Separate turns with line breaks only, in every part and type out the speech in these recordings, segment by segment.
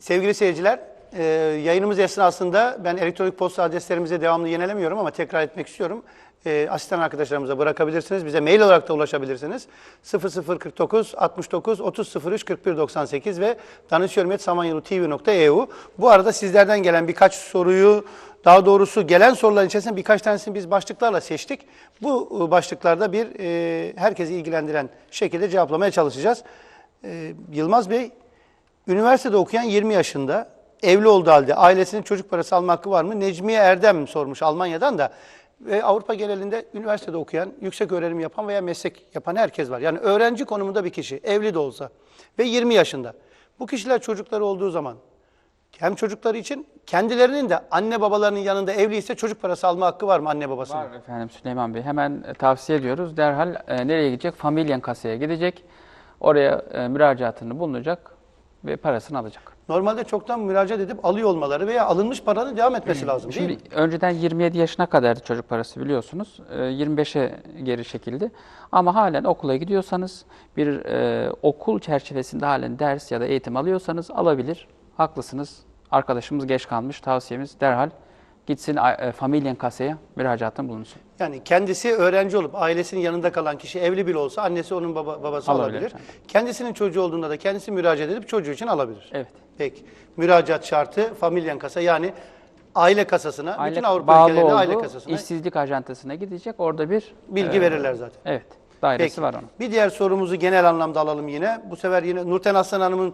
Sevgili seyirciler, yayınımız esnasında ben elektronik posta adreslerimize devamlı yenilemiyorum ama tekrar etmek istiyorum. Asistan arkadaşlarımıza bırakabilirsiniz. Bize mail olarak da ulaşabilirsiniz. 0049 69 30 03 41 98 ve danışıyorum@samanyolu.tv.eu. Bu arada sizlerden gelen birkaç soruyu, daha doğrusu gelen soruların içerisinde birkaç tanesini biz başlıklarla seçtik. Bu başlıklarda herkesi ilgilendiren şekilde cevaplamaya çalışacağız. Yılmaz Bey, üniversitede okuyan 20 yaşında, evli olduğu halde ailesinin çocuk parası alma hakkı var mı? Necmiye Erdem sormuş Almanya'dan da. Ve Avrupa genelinde üniversitede okuyan, yüksek öğrenim yapan veya meslek yapan herkes var. Yani öğrenci konumunda bir kişi, evli de olsa ve 20 yaşında. Bu kişiler çocukları olduğu zaman hem çocukları için kendilerinin de anne babalarının yanında evliyse çocuk parası alma hakkı var mı anne babasının?
Var efendim Süleyman Bey. Hemen tavsiye ediyoruz. Derhal nereye gidecek? Familyen kasaya gidecek. Oraya müracaatını bulunacak ve parasını alacak.
Normalde çoktan müracaat edip alıyor olmaları veya alınmış paranın devam etmesi lazım değil mi?
Şimdi önceden 27 yaşına kadardı çocuk parası biliyorsunuz. 25'e geri çekildi. Ama halen okula gidiyorsanız, bir okul çerçevesinde halen ders ya da eğitim alıyorsanız alabilir. Haklısınız. Arkadaşımız geç kalmış. Tavsiyemiz derhal gitsin familyen kasaya müracaatını bulunsun.
Yani kendisi öğrenci olup ailesinin yanında kalan kişi evli bile olsa annesi onun babası alabilir.
Efendim.
Kendisinin çocuğu olduğunda da kendisi müracaat edip çocuğu için alabilir.
Evet.
Peki. Müracaat şartı familyen kasa, yani aile kasasına, bütün Avrupa
bağlı
ülkelerinde
olduğu
aile kasasına
işsizlik ajantasına gidecek. Orada bir
bilgi verirler zaten.
Evet. Dairesi
Peki.
var onun.
Bir diğer sorumuzu genel anlamda alalım yine. Bu sefer yine Nurten Aslan Hanım'ın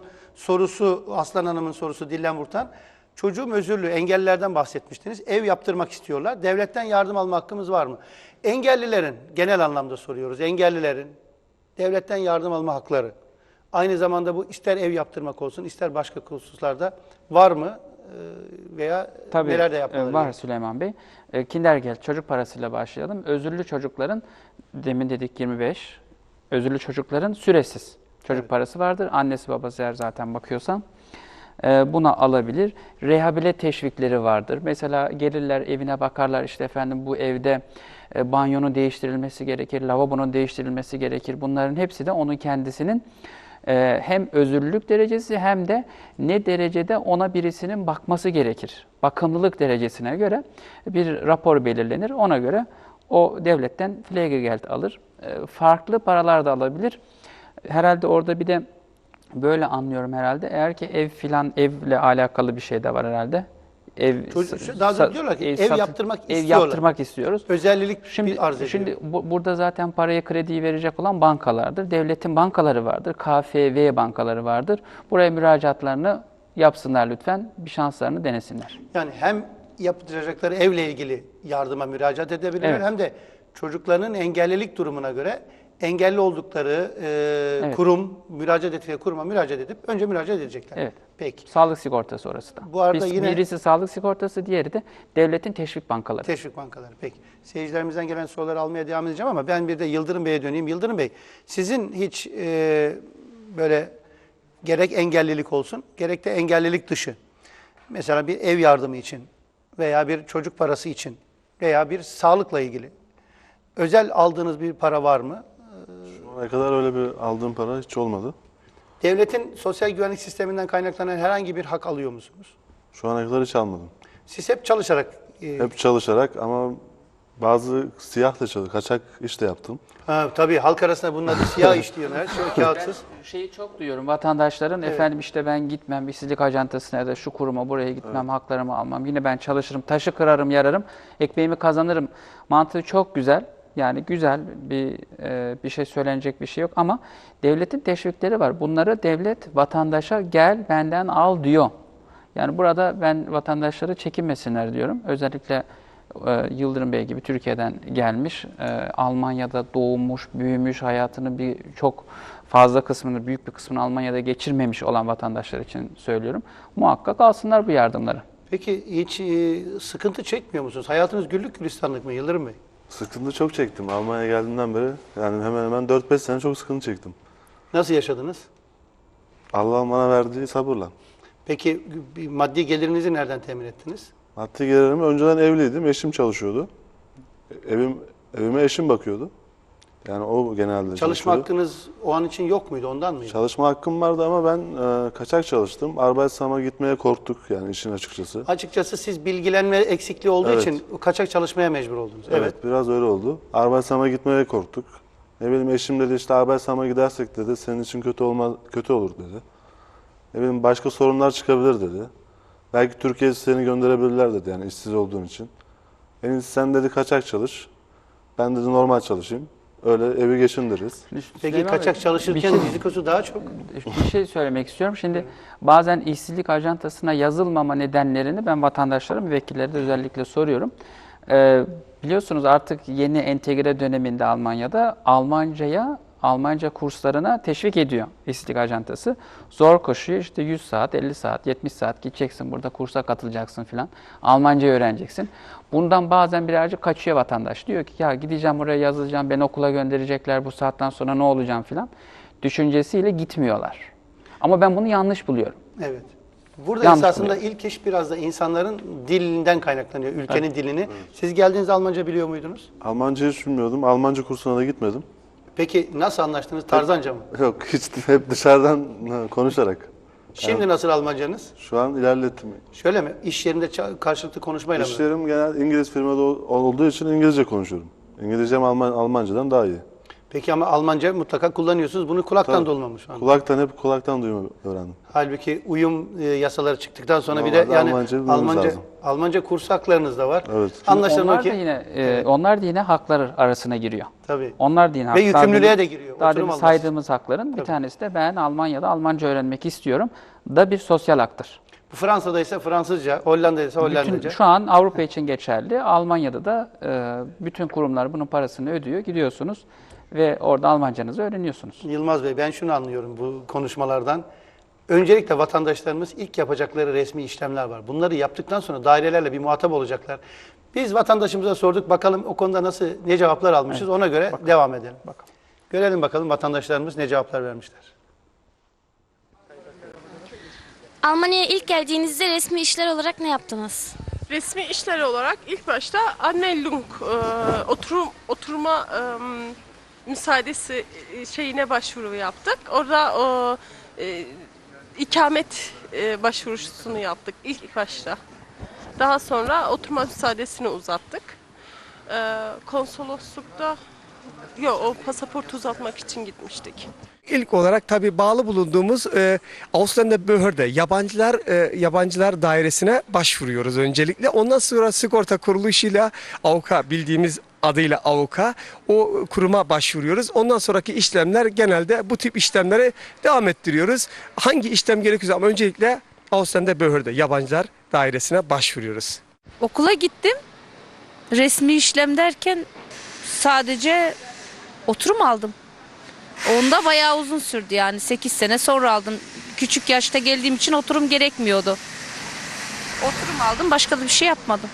sorusu Dillen Vurtan. Çocuğum özürlü, engellilerden bahsetmiştiniz. Ev yaptırmak istiyorlar. Devletten yardım alma hakkımız var mı? Engellilerin, genel anlamda soruyoruz, engellilerin devletten yardım alma hakları. Aynı zamanda bu ister ev yaptırmak olsun, ister başka hususlarda var mı? Veya
Tabii,
neler de yapmaları
var
gerekiyor?
Süleyman Bey. Kindergeld çocuk parasıyla başlayalım. Özürlü çocukların, demin dedik 25, özürlü çocukların süresiz çocuk parası vardır. Annesi babası eğer zaten bakıyorsa buna alabilir. Rehabilite teşvikleri vardır. Mesela gelirler evine bakarlar, işte efendim bu evde banyonun değiştirilmesi gerekir, lavabonun değiştirilmesi gerekir. Bunların hepsi de onun kendisinin hem özürlülük derecesi hem de ne derecede ona birisinin bakması gerekir. Bakımlılık derecesine göre bir rapor belirlenir. Ona göre o devletten Pflegegeld alır. Farklı paralar da alabilir. Herhalde orada bir de böyle anlıyorum herhalde. Eğer ki evle alakalı bir şey de var herhalde.
Daha da diyorlar ki ev yaptırmak
ev
istiyorlar.
yaptırmak istiyoruz.
Özellik
Şimdi,
arz ediyor.
şimdi burada zaten parayı, krediyi verecek olan bankalardır. Devletin bankaları vardır. KfW bankaları vardır. Buraya müracaatlarını yapsınlar lütfen. Bir şanslarını denesinler.
Yani hem yaptıracakları evle ilgili yardıma müracaat edebilirler,
Evet.
hem de çocuklarının engellilik durumuna göre engelli oldukları
Evet.
kurum, müracaat ettikleri kuruma müracaat edip önce müracaat edecekler.
Evet.
Peki.
Sağlık sigortası orası da.
Bu arada yine-
birisi sağlık sigortası, diğeri de devletin teşvik bankaları.
Teşvik bankaları. Peki. Seyircilerimizden gelen soruları almaya devam edeceğim ama ben bir de Yıldırım Bey'e döneyim. Yıldırım Bey, sizin hiç böyle gerek engellilik olsun, gerek de engellilik dışı, mesela bir ev yardımı için veya bir çocuk parası için veya bir sağlıkla ilgili özel aldığınız bir para var mı?
Şu ana kadar öyle bir aldığım para hiç olmadı.
Devletin sosyal güvenlik sisteminden kaynaklanan herhangi bir hak alıyor musunuz?
Şu ana kadar hiç almadım.
Siz hep çalışarak...
Hep çalışarak ama bazı siyah da kaçak iş de yaptım.
Tabii halk arasında bunun adı siyah iş diyorlar. Şöyle kağıtsız.
Şeyi çok duyuyorum vatandaşların, efendim işte ben gitmem işsizlik ajantasına ya da şu kuruma buraya gitmem, haklarımı almam. Yine ben çalışırım, taşı kırarım, yararım, ekmeğimi kazanırım. Mantığı çok güzel. Yani güzel bir şey söylenecek bir şey yok ama devletin teşvikleri var. Bunları devlet vatandaşa gel benden al diyor. Yani burada ben vatandaşları çekinmesinler diyorum. Özellikle Yıldırım Bey gibi Türkiye'den gelmiş, Almanya'da doğmuş, büyümüş, hayatının çok fazla kısmını, büyük bir kısmını Almanya'da geçirmemiş olan vatandaşlar için söylüyorum. Muhakkak alsınlar bu yardımları.
Peki hiç sıkıntı çekmiyor musunuz? Hayatınız güllük gülistanlık mı Yıldırım Bey?
Sıkıntı çok çektim. Almanya'ya geldiğimden beri yani hemen hemen 4-5 sene çok sıkıntı çektim.
Nasıl yaşadınız?
Allah'ın bana verdiği sabırla.
Peki bir maddi gelirinizi nereden temin ettiniz?
Maddi gelirimi önceden evliydim. Eşim çalışıyordu. Evime eşim bakıyordu. Yani o genelde
Çalışma
çalışıyordu.
hakkınız o an için yok muydu? Ondan mıydı?
Çalışma hakkım vardı ama ben kaçak çalıştım. Arbeitsam'a gitmeye korktuk yani işin açıkçası.
Açıkçası siz bilgilenme eksikliği olduğu
Evet.
için kaçak çalışmaya mecbur oldunuz.
Evet, biraz öyle oldu. Arbeitsam'a gitmeye korktuk. Ne bileyim eşim dedi işte Arbeitsam'a gidersek dedi senin için kötü olur dedi. Ne bileyim başka sorunlar çıkabilir dedi. Belki Türkiye'ye seni gönderebilirler dedi yani işsiz olduğun için. En iyisi sen dedi kaçak çalış. Ben dedi normal çalışayım. Öyle evi geçindiririz.
Peki
Süleyman
kaçak
Bey,
çalışırken
bir şey-
rizikosu daha çok.
Bir şey söylemek istiyorum. Şimdi bazen işsizlik ajantasına yazılmama nedenlerini ben vatandaşlarım, müvekkillere de özellikle soruyorum. Biliyorsunuz artık yeni entegre döneminde Almanya'da Almanca kurslarına teşvik ediyor işsizlik ajantası. Zor koşuyor işte 100 saat, 50 saat, 70 saat gideceksin burada kursa katılacaksın filan. Almanca öğreneceksin. Bundan bazen birazcık kaçıyor vatandaş. Diyor ki ya gideceğim oraya yazılacağım, beni okula gönderecekler bu saatten sonra ne olacağım filan. Düşüncesiyle gitmiyorlar. Ama ben bunu yanlış buluyorum.
Evet. Burada
Yanlış
esasında ilk iş biraz da insanların dilinden kaynaklanıyor, ülkenin dilini. Siz geldiğinizde Almanca biliyor muydunuz?
Almanca hiç bilmiyordum. Almanca kursuna da gitmedim.
Peki nasıl anlaştınız? Tarzanca mı?
Yok hiç hep dışarıdan konuşarak.
Şimdi nasıl Almancanız?
Şu an ilerlettim.
Şöyle mi? İş yerinde karşılıklı konuşmayla mı?
İşlerim genel İngiliz firmada olduğu için İngilizce konuşuyorum. İngilizcem Almancadan daha iyi.
Peki ama Almanca mutlaka kullanıyorsunuz. Bunu kulaktan
Tabii.
dolmamış şu an.
Kulaktan duyma öğrendim.
Halbuki uyum yasaları çıktıktan sonra bir de
Normalde
yani
Almanca bilmemiz lazım.
Almanca kurs haklarınız da var.
Evet.
Anlaşılan o
Onlar da
ki
yine onlar da yine haklar arasına giriyor.
tabii.
Onlar da yine
Ve
haklar.
yükümlülüğe de giriyor.
Daha
Oturum
demin
alması.
saydığımız hakların bir tanesi de ben Almanya'da Almanca öğrenmek istiyorum da bir sosyal haktır.
Bu Fransa'da ise Fransızca, Hollanda'da ise Hollandaca.
Şu an Avrupa için geçerli. Almanya'da da bütün kurumlar bunun parasını ödüyor. Gidiyorsunuz ve orada Almancanızı öğreniyorsunuz.
Yılmaz Bey, ben şunu anlıyorum bu konuşmalardan. Öncelikle vatandaşlarımız ilk yapacakları resmi işlemler var. Bunları yaptıktan sonra dairelerle bir muhatap olacaklar. Biz vatandaşımıza sorduk, bakalım o konuda ne cevaplar almışız, ona göre devam edelim.
Bakalım.
Görelim bakalım vatandaşlarımız ne cevaplar vermişler.
Almanya'ya ilk geldiğinizde resmi işler olarak ne yaptınız?
Resmi işler olarak ilk başta Anmeldung, oturma müsaadesi şeyine başvuru yaptık. Orada ikamet başvurusunu yaptık ilk başta. Daha sonra oturma müsaadesini uzattık. Konsoloslukta o pasaport uzatmak için gitmiştik.
İlk olarak tabii bağlı bulunduğumuz Ausländerbehörde yabancılar dairesine başvuruyoruz öncelikle. Ondan sonra sigorta kuruluşuyla AVK bildiğimiz adıyla AVK o kuruma başvuruyoruz. Ondan sonraki işlemler genelde bu tip işlemleri devam ettiriyoruz. Hangi işlem gerekiyorsa ama öncelikle Ausländerbehörde yabancılar dairesine başvuruyoruz.
Okula gittim. Resmi işlem derken sadece oturum aldım. Onda bayağı uzun sürdü yani 8 sene sonra aldım. Küçük yaşta geldiğim için oturum gerekmiyordu. Oturum aldım, başka da bir şey yapmadım.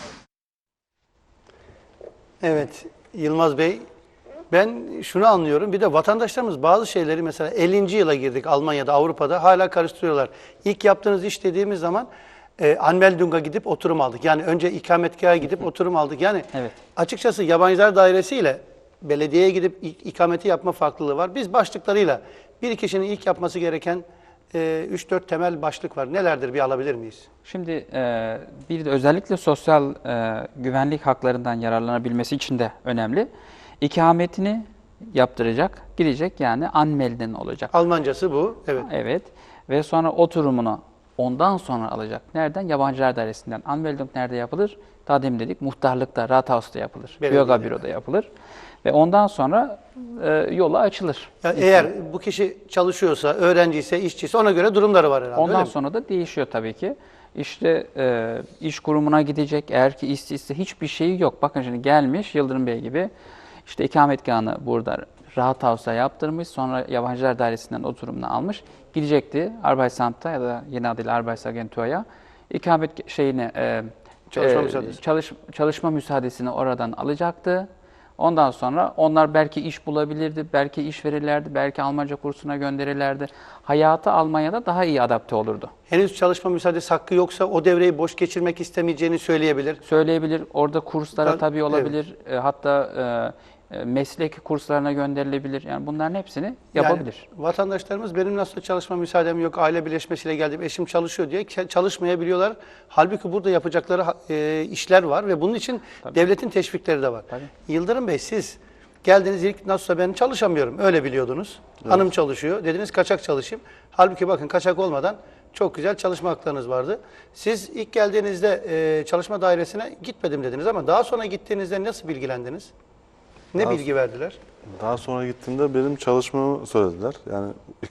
Evet, Yılmaz Bey, ben şunu anlıyorum. Bir de vatandaşlarımız bazı şeyleri mesela 50. yıla girdik Almanya'da, Avrupa'da hala karıştırıyorlar. İlk yaptığınız iş dediğimiz zaman Anmeldung'a gidip oturum aldık. Yani önce ikametgaha gidip oturum aldık. Yani
Evet.
açıkçası yabancılar dairesiyle belediyeye gidip ikameti yapma farklılığı var. Biz başlıklarıyla bir kişinin ilk yapması gereken 3-4 temel başlık var. Nelerdir bir alabilir miyiz?
Şimdi bir de özellikle sosyal güvenlik haklarından yararlanabilmesi için de önemli. İkametini yaptıracak, gidecek yani anmelden olacak.
Almancası bu. Evet.
Evet ve sonra oturumunu ondan sonra alacak. Nereden? Yabancılar dairesinden. Anmeldung nerede yapılır? Daha demin dedik muhtarlıkta, Rathaus'ta yapılır.
Belediyede.
Bürger büroda yapılır. Ve ondan sonra yola açılır.
Yani eğer bu kişi çalışıyorsa, öğrenciyse, işçiyse ona göre durumları var herhalde.
Ondan
öyle mi?
sonra da değişiyor tabii ki. İşte iş kurumuna gidecek. Eğer ki işsizse hiçbir şeyi yok. Bakın şimdi gelmiş Yıldırım Bey gibi. İşte ikametgahını burada Rathaus'a yaptırmış. Sonra yabancılar dairesinden oturumunu almış. Gidecekti Arbeitsamt'a ya da yeni adıyla Arbeitsagentur'a. İkamet çalışma müsaadesini oradan alacaktı. Ondan sonra onlar belki iş bulabilirdi, belki iş verirlerdi, belki Almanca kursuna gönderirlerdi. Hayatı Almanya'da daha iyi adapte olurdu.
Henüz çalışma müsaadesi hakkı yoksa o devreyi boş geçirmek istemeyeceğini söyleyebilir.
Söyleyebilir, orada kurslara
Ben-
tabii olabilir. Hatta meslek kurslarına gönderilebilir. Yani bunların hepsini yapabilir.
Yani vatandaşlarımız benim nasıl çalışma müsaadem yok, aile birleşmesiyle geldim, eşim çalışıyor diye çalışmayabiliyorlar. Halbuki burada yapacakları işler var ve bunun için devletin teşvikleri de var.
Tabii.
Yıldırım Bey, siz geldiniz, ilk nasılsa ben çalışamıyorum, öyle biliyordunuz. Hanım çalışıyor, dediniz kaçak çalışayım. Halbuki bakın, kaçak olmadan çok güzel çalışma haklarınız vardı. Siz ilk geldiğinizde çalışma dairesine gitmedim dediniz ama daha sonra gittiğinizde nasıl bilgilendiniz? Ne bilgi verdiler?
Daha sonra gittiğimde benim çalışmamı söylediler. Yani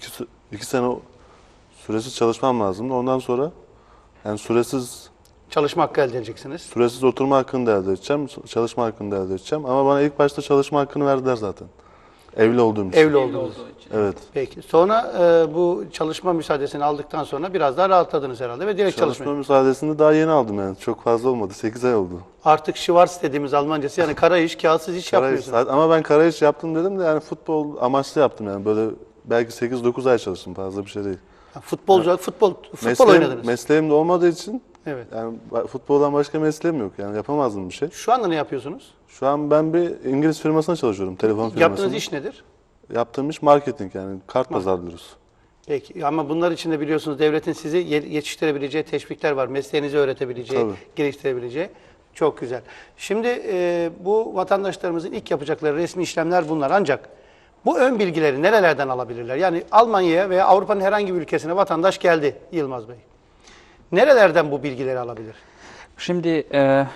iki sene süresiz çalışmam lazımdı. Ondan sonra yani süresiz
Çalışma hakkı elde edeceksiniz.
oturma hakkını da elde edeceğim, çalışma hakkını da elde edeceğim. Ama bana ilk başta çalışma hakkını verdiler zaten. Evli olduğum için.
Evli olduğunuz.
Evet.
Peki. Sonra bu çalışma müsaadesini aldıktan sonra biraz daha rahatladınız herhalde ve direkt
Çalışma
çalışmaya.
müsaadesini daha yeni aldım yani. Çok fazla olmadı. 8 ay oldu.
Artık Schwarz dediğimiz Almancası, yani kara iş, kağıtsız iş
Kara iş,
yapmıyorsunuz.
ama ben kara iş yaptım dedim de yani futbol amaçlı yaptım yani. Böyle belki 8-9 ay çalıştım, fazla bir şey değil.
Futbolcu, futbol oynadınız.
Mesleğim de olmadığı için
Evet.
yani futboldan başka mesleğim yok. Yani yapamazdım bir şey.
Şu anda ne yapıyorsunuz?
Şu an ben bir İngiliz firmasına çalışıyorum. Telefon firmasında.
Yaptığınız iş nedir?
Yaptığım iş marketing, yani kart pazarlıyoruz.
Peki, ama bunlar için de biliyorsunuz devletin sizi yetiştirebileceği teşvikler var. Mesleğinizi öğretebileceği,
Tabii.
geliştirebileceği. Çok güzel. Şimdi bu vatandaşlarımızın ilk yapacakları resmi işlemler bunlar. Ancak bu ön bilgileri nerelerden alabilirler? Yani Almanya'ya veya Avrupa'nın herhangi bir ülkesine vatandaş geldi Yılmaz Bey. Nerelerden bu bilgileri alabilir?
Şimdi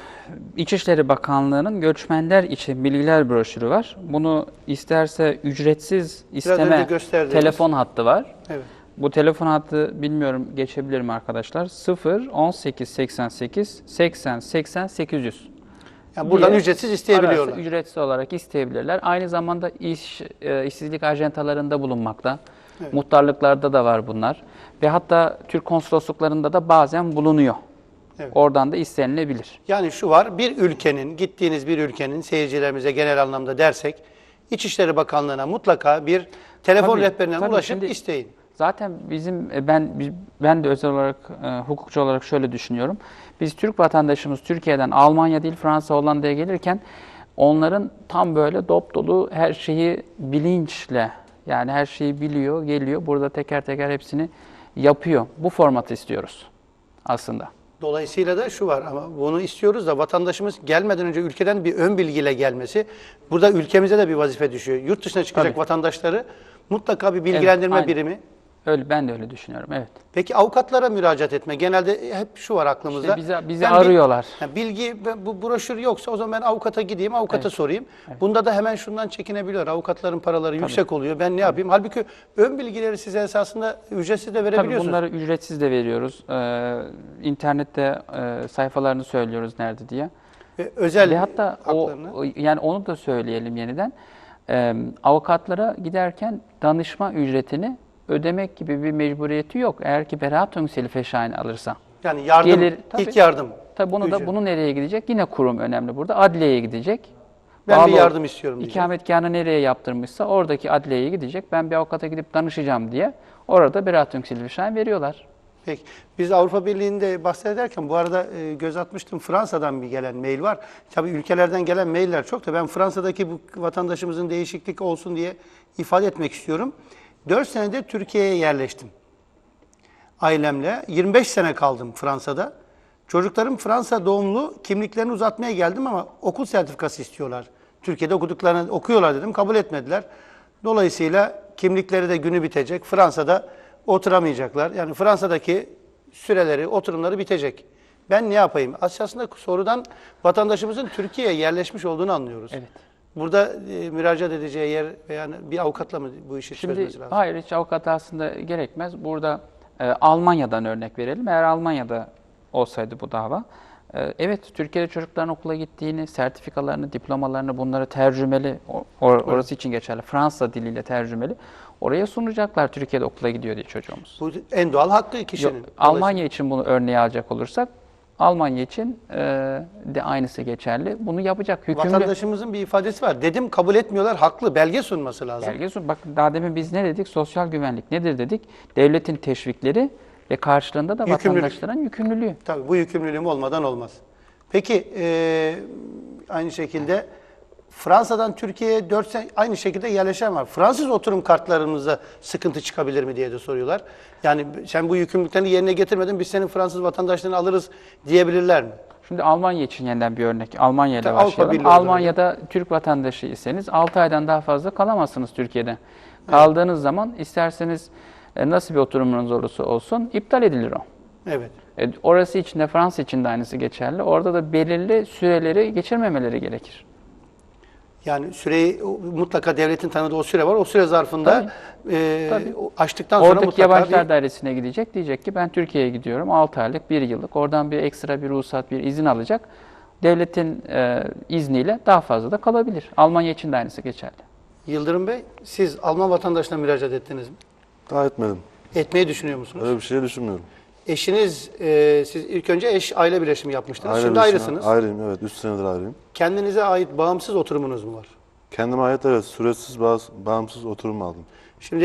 İçişleri Bakanlığı'nın göçmenler için bilgiler broşürü var. Bunu isterse ücretsiz
önce
isteme
gösterdiğiniz.
telefon hattı var.
Evet.
Bu telefon hattı, bilmiyorum geçebilir mi arkadaşlar? 0 18 88 80 80 800.
Yani buradan
diye
ücretsiz isteyebiliyorlar.
ararsa ücretsiz olarak isteyebilirler. Aynı zamanda işsizlik ajantalarında bulunmakta.
Evet.
Muhtarlıklarda da var bunlar. Ve hatta Türk konsolosluklarında da bazen bulunuyor.
Evet.
Oradan da istenilebilir.
Yani şu var, bir ülkenin, gittiğiniz bir ülkenin seyircilerimize genel anlamda dersek, İçişleri Bakanlığı'na mutlaka bir telefon
Tabii,
rehberine
tabii.
ulaşıp
Şimdi
isteyin.
Zaten bizim ben de özel olarak hukukçu olarak şöyle düşünüyorum. Biz Türk vatandaşımız Türkiye'den Almanya değil Fransa, Hollanda'ya gelirken onların tam böyle dop dolu her şeyi bilinçle, yani her şeyi biliyor, geliyor. Burada teker teker hepsini yapıyor. Bu formatı istiyoruz aslında.
Dolayısıyla da şu var, ama bunu istiyoruz da vatandaşımız gelmeden önce ülkeden bir ön bilgiyle gelmesi, burada ülkemize de bir vazife düşüyor. Yurt dışına çıkacak
Tabii.
vatandaşları mutlaka bir bilgilendirme
aynen.
birimi.
Öyle, ben de öyle düşünüyorum. Evet.
Peki avukatlara müracaat etme. Genelde hep şu var aklımızda.
İşte bizi
Ben
arıyorlar.
Bu broşür yoksa o zaman ben avukata gideyim, avukata sorayım. Bunda da hemen şundan çekinebiliyor. Avukatların paraları yüksek oluyor. Ben ne yapayım? Halbuki ön bilgileri size esasında ücretsiz de
Tabii
verebiliyorsunuz.
bunları ücretsiz de veriyoruz. İnternette sayfalarını söylüyoruz nerede diye.
Özel
Ve hatta
haklarını.
yani onu da söyleyelim yeniden. Avukatlara giderken danışma ücretini ödemek gibi bir mecburiyeti yok. Eğer ki Beratungshilfeschein alırsa.
Yani yardım,
Gelir, tabii.
ilk yardım.
Tabii
ücreti.
bunu nereye gidecek? Yine kurum önemli burada. Adliyeye gidecek.
Ben bir
Bağlı-
yardım istiyorum diyecek.
İkametgahını nereye yaptırmışsa oradaki adliyeye gidecek. Ben bir avukata gidip danışacağım diye orada Beratungshilfeschein veriyorlar.
Peki. Biz Avrupa Birliği'nde bahsederken bu arada göz atmıştım, Fransa'dan bir gelen mail var. Tabii ülkelerden gelen mailler çok da ben Fransa'daki bu vatandaşımızın değişiklik olsun diye ifade etmek istiyorum. 4 senedir Türkiye'ye yerleştim. Ailemle 25 sene kaldım Fransa'da. Çocuklarım Fransa doğumlu, kimliklerini uzatmaya geldim ama okul sertifikası istiyorlar. Türkiye'de okuduklarını okuyorlar dedim, kabul etmediler. Dolayısıyla kimlikleri de günü bitecek. Fransa'da oturamayacaklar. Yani Fransa'daki süreleri, oturumları bitecek. Ben ne yapayım? Aslında sorudan vatandaşımızın Türkiye'ye yerleşmiş olduğunu anlıyoruz.
Evet.
Burada müracaat edeceği yer veya bir avukatla mı bu işi
Şimdi
çözmesi lazım?
hayır, hiç avukat aslında gerekmez. Burada Almanya'dan örnek verelim. Eğer Almanya'da olsaydı bu dava, evet Türkiye'de çocukların okula gittiğini, sertifikalarını, diplomalarını, bunları tercümeli, orası için geçerli, Fransa diliyle tercümeli, oraya sunacaklar Türkiye'de okula gidiyor diye çocuğumuz.
Bu en doğal hakkı kişinin.
Yok, Almanya için bunu örneğe alacak olursak, Almanya için de aynısı geçerli. Bunu yapacak hükümlü.
Vatandaşımızın bir ifadesi var. Dedim kabul etmiyorlar, haklı. Belge sunması lazım.
Belge sun. Bakın daha demin biz ne dedik? Sosyal güvenlik nedir dedik? Devletin teşvikleri ve karşılığında da
Yükümlülük.
vatandaşların yükümlülüğü.
Tabii bu yükümlülüğüm olmadan olmaz. Peki aynı şekilde Fransa'dan Türkiye'ye 4 sene aynı şekilde yerleşen var. Fransız oturum kartlarımızda sıkıntı çıkabilir mi diye de soruyorlar. Yani sen bu yükümlülüklerini yerine getirmedin, biz senin Fransız vatandaşlığını alırız diyebilirler mi?
Şimdi Almanya için yeniden bir örnek. Almanya ile
Tabii, Avrupa
başlayalım.
Birliği olarak.
Almanya'da Türk vatandaşı iseniz 6 aydan daha fazla kalamazsınız Türkiye'de. Kaldığınız zaman isterseniz nasıl bir oturumunuz olursa olsun iptal edilir o.
Evet.
Orası için de Fransa için de aynısı geçerli. Orada da belirli süreleri geçirmemeleri gerekir.
Yani süreyi mutlaka devletin tanıdığı o süre var. O süre zarfında
Tabii.
açtıktan sonra
Oradaki
mutlaka
yabancılar dairesine gidecek. Diyecek ki ben Türkiye'ye gidiyorum 6 aylık 1 yıllık. Oradan bir ekstra bir ruhsat bir izin alacak. Devletin izniyle daha fazla da kalabilir. Almanya için de aynısı geçerli.
Yıldırım Bey, siz Alman vatandaşına müracaat ettiniz mi?
Daha etmedim.
Etmeyi düşünüyor musunuz?
Öyle bir şey düşünmüyorum.
Eşiniz, siz ilk önce eş aile birleşimi yapmıştınız.
Aile
Şimdi
birleşimi-
ayrısınız.
Ayrıyım, evet. 3 senedir ayrıyım.
Kendinize ait bağımsız oturumunuz mu var?
Kendime ait, evet, süresiz bağımsız oturum aldım.
Şimdi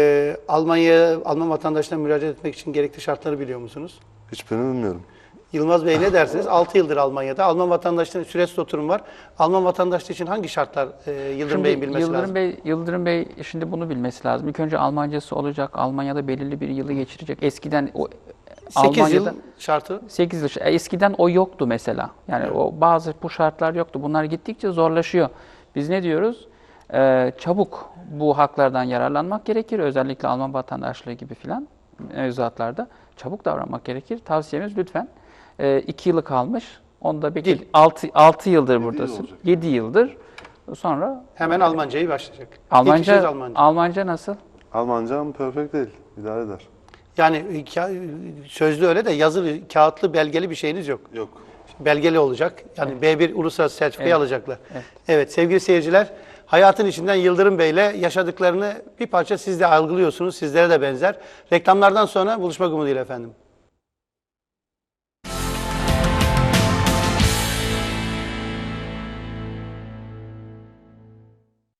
Alman vatandaşına müracaat etmek için gerekli şartları biliyor musunuz?
Hiçbirini bilmiyorum.
Yılmaz Bey ne dersiniz? 6 yıldır Almanya'da. Alman vatandaşlığının süresiz oturum var. Alman vatandaşlığı için hangi şartlar Yıldırım Bey'in bilmesi lazım?
Yıldırım Bey şimdi bunu bilmesi lazım. İlk önce Almancası olacak. Almanya'da belirli bir yılı geçirecek. Eskiden
8 yıl şartı.
8 yıl. Eskiden o yoktu mesela. Yani o bazı bu şartlar yoktu. Bunlar gittikçe zorlaşıyor. Biz ne diyoruz? Çabuk bu haklardan yararlanmak gerekir. Özellikle Alman vatandaşlığı gibi filan mevzuatlarda çabuk davranmak gerekir. Tavsiyemiz lütfen 2 yılı kalmış. Onda bekle. 6 yıldır buradasın. 7 yıldır. Sonra
Hemen Almancayı başlayacak. İlk işiniz Almanca.
Almanca nasıl?
Almancam perfect değil. İdare eder.
Yani sözlü öyle de yazılı, kağıtlı, belgeli bir şeyiniz yok.
Yok.
Belgeli olacak. Yani B1 uluslararası sertifikayı alacaklar. Evet sevgili seyirciler, hayatın içinden Yıldırım Bey'le yaşadıklarını bir parça siz de algılıyorsunuz. Sizlere de benzer. Reklamlardan sonra buluşmak umuduyla efendim.